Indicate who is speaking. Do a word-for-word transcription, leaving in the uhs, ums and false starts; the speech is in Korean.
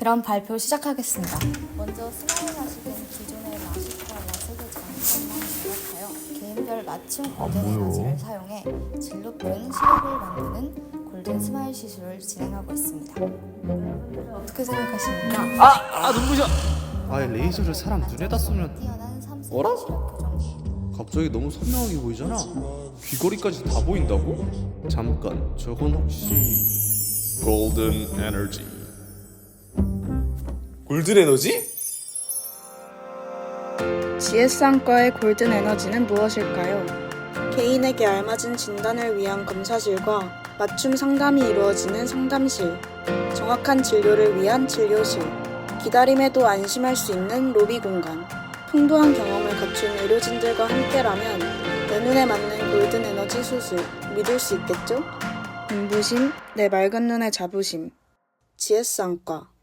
Speaker 1: 그럼 발표 시작하겠습니다. 먼저 스마일 마식은 기존의 마식과 라섹의 장점만 결합하여 개인별 맞춤 골든 에너지를 사용해 질 높은 시럽을 만드는 골든 스마일 시술을 진행하고 있습니다. 여러분들은 어떻게 생각하십니까?
Speaker 2: 아! 아 눈부셔! 아 레이저를 사람 눈에다 쏘면
Speaker 1: 뛰어난 삼 세
Speaker 2: 어라?
Speaker 1: 시럽 교정.
Speaker 2: 갑자기 너무 선명하게 보이잖아. 귀걸이까지 다 보인다고? 잠깐 저건 혹시 골든 에너지
Speaker 3: 골든 에너지?
Speaker 4: 지에스안과의 골든 에너지는 무엇일까요? 개인에게 알맞은 진단을 위한 검사실과 맞춤 상담이 이루어지는 상담실, 정확한 진료를 위한 진료실, 기다림에도 안심할 수 있는 로비 공간, 풍부한 경험을 갖춘 의료진들과 함께라면 내 눈에 맞는 골든 에너지 수술 믿을 수 있겠죠? 눈부심, 내 맑은 눈의 자부심. 지에스안과